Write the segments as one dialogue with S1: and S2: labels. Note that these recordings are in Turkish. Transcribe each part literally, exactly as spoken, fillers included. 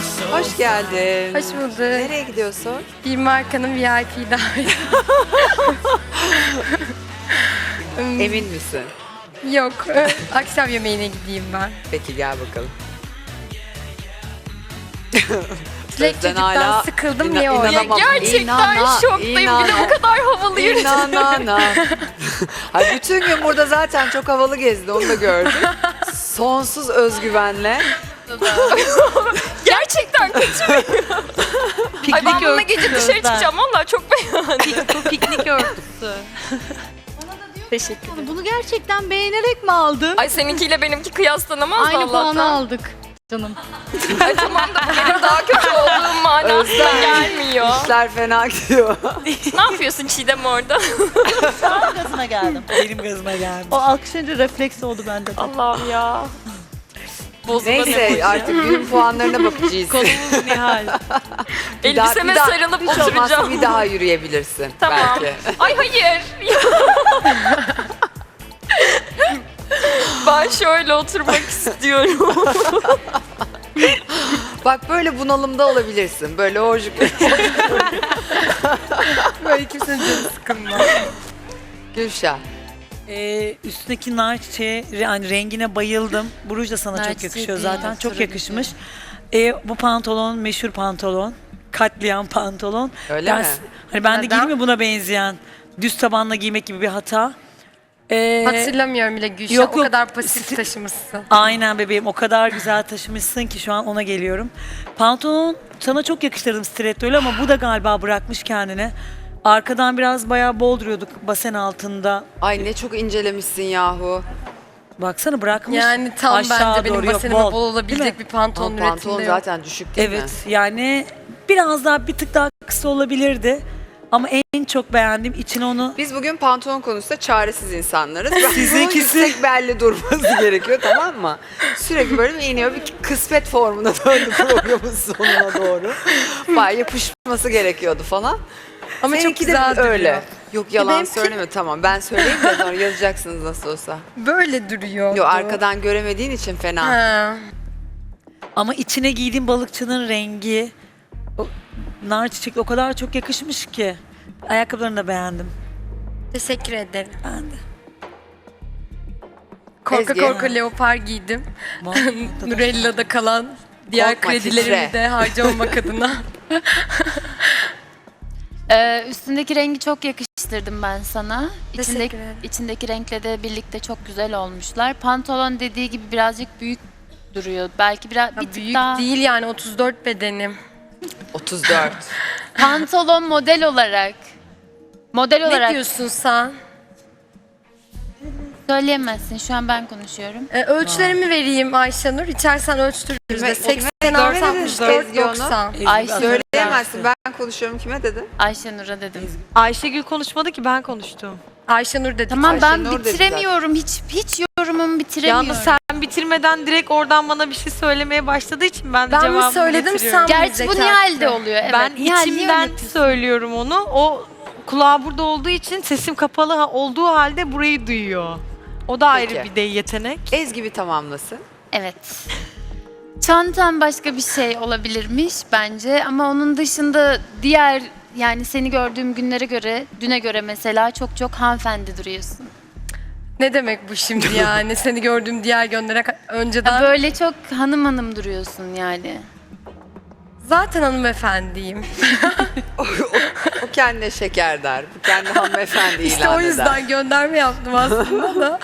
S1: Hoş geldin.
S2: Hoş bulduk.
S1: Nereye gidiyorsun?
S2: Bir markanın V I P daveti.
S1: Emin misin?
S2: Yok. Akşam yemeğine gideyim ben.
S1: Peki gel bakalım.
S2: Çilek
S1: Sözden
S2: çocuktan
S1: hala
S2: sıkıldım
S1: ina-
S2: niye orada?
S1: inanamam.
S3: Gerçekten
S1: İnana,
S3: şoktayım. Bir de
S1: inana.
S3: bu kadar havalı yürüdüm.
S1: İnanana. Ay bütün gün burada zaten çok havalı gezdi, onu da gördüm. Sonsuz özgüvenle.
S3: Gerçekten kaçırmıyor. Ay ben bununla gece dışarı çıkacağım. Vallahi çok beğendim.
S4: Bu piknik örtüsü.
S3: Teşekkür ederim.
S5: Bunu gerçekten beğenerek mi aldın?
S3: Ay seninkiyle benimki kıyaslanamaz
S5: Aynı
S3: Allah'tan.
S5: puanı aldık canım.
S3: Ay tamam da bu benim daha kötü olduğum manasına
S1: Özlem.
S3: gelmiyor.
S1: İşler fena gidiyor.
S3: Ne yapıyorsun Çiğdem orada?
S5: Sen gazına geldim.
S4: Benim gözüme geldi.
S5: O alkışlayınca refleks oldu bende de.
S3: Allah'ım ya. Bozuldu.
S1: Neyse artık günün puanlarına bakacağız.
S4: Konumuz Nihal.
S1: Bir daha-
S3: Elbiseme
S1: bir daha-
S3: sarılıp
S1: hiç olmazsa
S3: oturacağım.
S1: bir daha yürüyebilirsin
S3: Tamam.
S1: belki.
S3: Ay hayır. Ben şöyle oturmak istiyorum.
S1: Bak böyle bunalımda olabilirsin. Böyle orjik.
S2: Böyle kimsenin canı sıkılmaz.
S1: Gülşah.
S4: Ee, üstündeki nar çiçeği yani rengine bayıldım. Bu ruj da sana
S5: Nar
S4: çok
S5: çiçeği
S4: yakışıyor
S5: değil,
S4: zaten. Çok
S5: sarı
S4: yakışmış. Ee, bu pantolon meşhur pantolon. Katliam pantolon.
S1: Öyle
S4: ben,
S1: mi?
S4: Hani ben de
S2: Neden?
S4: giyeyim mi buna benzeyen? Düz tabanla giymek gibi bir hata. Ee,
S2: Hatırlamıyorum bile Gülşah.
S4: Yok,
S2: O
S4: yok.
S2: kadar pasif taşımışsın.
S4: Aynen bebeğim, o kadar güzel taşımışsın ki şu an ona geliyorum. Pantolon sana çok yakıştırdım stilettoyla ama bu da galiba bırakmış kendini. Arkadan biraz bayağı bol duruyorduk basen altında.
S1: Ay ne çok incelemişsin yahu.
S4: Baksana bırakmış.
S2: Yani tam
S4: aşağı
S2: bence benim
S4: doğru, yok,
S2: basenime bol,
S4: bol. Değil
S2: olabilecek
S4: mi?
S2: bir pantolon
S1: Ama
S2: üretimde
S1: pantolon
S2: yok.
S1: zaten düşük değil
S4: Evet
S1: mi?
S4: yani biraz daha bir tık daha kısa olabilirdi. Ama en çok beğendiğim içine onu
S1: Biz bugün pantolon konusunda çaresiz insanlarız. Bunun
S4: Sizinkisi-
S1: yüksek belli durması gerekiyor, tamam mı? Sürekli böyle bir iniyor, bir kısmet formuna döndü programın sonuna doğru. Bayağı yapışması gerekiyordu falan.
S2: Ama çok
S1: Seninki de
S2: güzel duruyor.
S1: öyle. Yok yalan
S2: benimki-
S1: söyleme, tamam. Ben söyleyeyim de sonra yazacaksınız nasıl olsa.
S2: Böyle duruyor.
S1: Yok arkadan göremediğin için fena.
S2: Ha.
S4: ama içine giydiğim balıkçının rengi o nar çiçekli o kadar çok yakışmış ki. Ayakkabılarını da beğendim.
S2: Teşekkür ederim.
S4: Ben de.
S2: Korka
S1: Ezgi.
S2: korka leopar giydim. Nurella'da kalan diğer
S1: Korkma,
S2: kredilerimi
S1: titre.
S2: de harcamamak adına.
S6: Ee, üstündeki rengi çok yakıştırdım ben sana.
S2: Teşekkür
S6: İçindeki,
S2: ederim.
S6: içindeki renkle de birlikte çok güzel olmuşlar. Pantolon dediği gibi birazcık büyük duruyor. Belki biraz
S2: Ya
S6: bir tık
S2: büyük
S6: daha.
S2: değil yani otuz dört bedenim.
S1: otuz dört.
S6: Pantolon model olarak. Model
S2: Ne
S6: olarak
S2: diyorsun sen?
S6: söyleyemezsin. Şu an ben konuşuyorum.
S2: Ee, ölçülerimi vereyim Ayşenur. İçersen ölçtürürüz
S1: Kime-
S2: de.
S1: kime-
S2: seksen
S1: kime
S2: altı
S1: dedin
S2: altmış dört
S1: Ezgi onu?
S2: doksan.
S6: Ayşe
S1: Söyleyemezsin, ben konuşuyorum. Kime dedin?
S6: Ayşenur'a dedim.
S7: Ayşegül konuşmadı ki ben konuştum.
S2: Ayşenur dedi.
S6: Tamam
S1: Ayşenur
S6: ben
S1: dedi
S6: bitiremiyorum. Hiç hiç yorumumu bitiremiyorum.
S7: Yalnız sen bitirmeden direkt oradan bana bir şey söylemeye başladığı için ben de
S2: Ben mi
S7: cevabımı
S2: söyledim,
S7: getiriyorum.
S2: sen mi?
S6: Gerçi bu
S2: Zeka.
S6: Nihal'de oluyor. Evet.
S7: Ben
S6: Nihal, niye
S7: içimden
S6: öyle yapıyorsun?
S7: söylüyorum onu. O kulağı burada olduğu için sesim kapalı ha- olduğu halde burayı duyuyor. O da ayrı
S1: Peki.
S7: bir de yetenek.
S1: Ezgi bir tamamlasın.
S6: Evet. Çantam başka bir şey olabilirmiş bence ama onun dışında diğer yani seni gördüğüm günlere göre, düne göre mesela çok çok hanımefendi duruyorsun.
S2: Ne demek bu şimdi yani? Seni gördüğüm diğer gönderek önceden.
S6: Böyle çok hanım hanım duruyorsun yani.
S2: Zaten hanımefendiyim.
S1: O kendine şeker der. Bu kendi hanımefendi
S2: İşte
S1: ilan
S2: o
S1: eder.
S2: yüzden gönderme yaptım aslında da.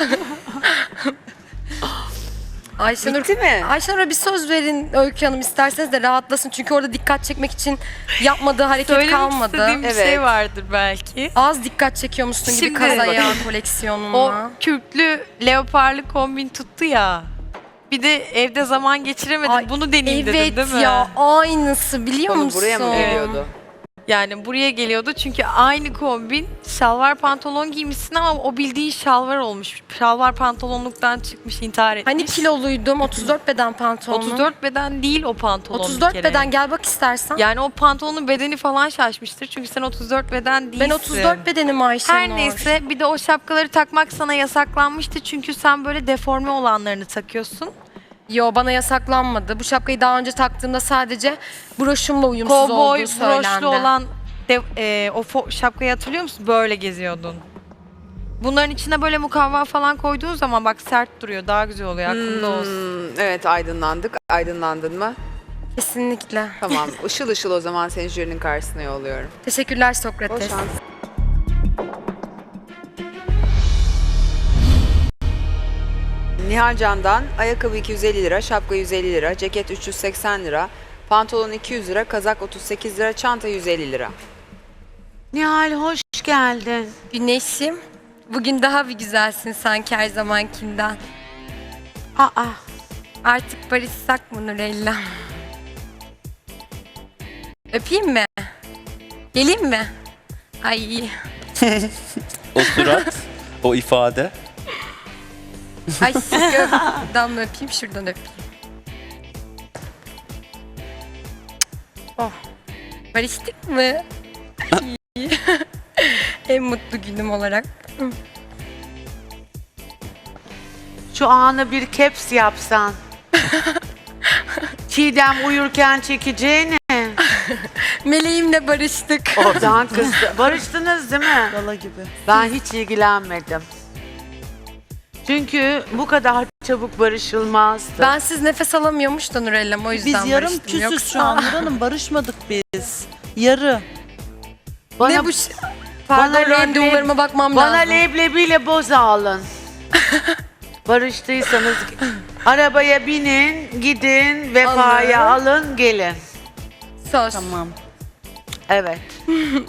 S2: Ayşenur,
S1: Bitti mi?
S2: Ayşenur'a bir söz verin Öykü Hanım isterseniz de rahatlasın. Çünkü orada dikkat çekmek için yapmadığı hareket
S7: Söylemek
S2: kalmadı.
S7: istediğim bir
S1: Evet.
S7: şey vardır belki.
S2: Az dikkat çekiyormuşsun gibi
S7: Şimdi-
S2: kazaya
S7: O
S2: koleksiyonuna.
S7: kürklü leoparlı kombin tuttu ya. Bir de evde zaman geçiremedin.
S2: Ay,
S7: Bunu deneyeyim
S2: Evet
S7: dedin değil mi?
S2: ya aynısı biliyor
S1: Konu
S2: musun?
S1: buraya mı geliyordu?
S7: Yani buraya geliyordu çünkü aynı kombin şalvar pantolon giymişsin ama o bildiğin şalvar olmuş. Şalvar pantolonluktan çıkmış, intihar etmiş.
S2: Hani kiloluydum otuz dört beden pantolonu.
S7: otuz dört beden değil o pantolon
S2: otuz
S7: bir
S2: dört
S7: kere.
S2: beden gel bak istersen.
S7: Yani o pantolonun bedeni falan şaşmıştır çünkü sen otuz dört beden değilsin.
S2: ben otuz dört bedenim Ayşenur.
S7: Her neyse bir de o şapkaları takmak sana yasaklanmıştı çünkü sen böyle deforme olanlarını takıyorsun.
S2: Yo, bana yasaklanmadı. Bu şapkayı daha önce taktığımda sadece broşumla uyumsuz
S7: Kovboy
S2: olduğu söylendi.
S7: broşlu olan de, e, o fo- şapkayı hatırlıyor musun? Böyle geziyordun. Bunların içine böyle mukavva falan koyduğun zaman bak sert duruyor. Daha güzel oluyor. Aklında olsun.
S1: Hmm, evet aydınlandık. Aydınlandın mı?
S2: Kesinlikle.
S1: Tamam. Işıl ışıl o zaman seni jürinin karşısına yolluyorum.
S2: Teşekkürler
S1: Bol
S2: Sokrates.
S1: şans. Nihal Can'dan ayakkabı iki yüz elli lira, şapka yüz elli lira, ceket üç yüz seksen lira, pantolon iki yüz lira, kazak otuz sekiz lira, çanta yüz elli lira.
S8: Nihal hoş geldin.
S2: Güneşim, bugün daha bir güzelsin sanki her zamankinden.
S8: Aa,
S2: Artık barışsak mı Nurella? Öpeyim mi? Geleyim mi? Ay,
S9: O surat, o ifade.
S2: ay şuradan mı öpeyim, şuradan öpeyim. Oh, barıştık mı? Ay. En mutlu günüm olarak.
S8: şu anı bir caps yapsan. Çiğdem uyurken çekeceğini.
S2: Meleğimle barıştık.
S8: Oradan kızdı. Barıştınız değil mi?
S5: Gala gibi.
S8: Ben hiç ilgilenmedim. Çünkü bu kadar çabuk barışılmazdı.
S2: Ben siz nefes alamıyormuş da Nurella'm, o yüzden
S5: Biz yarım
S2: barıştım.
S5: küsüz
S2: Yoksa-
S5: şu an Nur Hanım, barışmadık biz. Yarı.
S8: bana,
S2: Ne bu ş- Pardon,
S8: bana
S2: randevularıma bakmam
S8: bana
S2: lazım.
S8: leblebiyle boza alın. Barıştıysanız arabaya binin, gidin, vefaya alın, gelin.
S2: Söz.
S5: Tamam.
S8: Evet.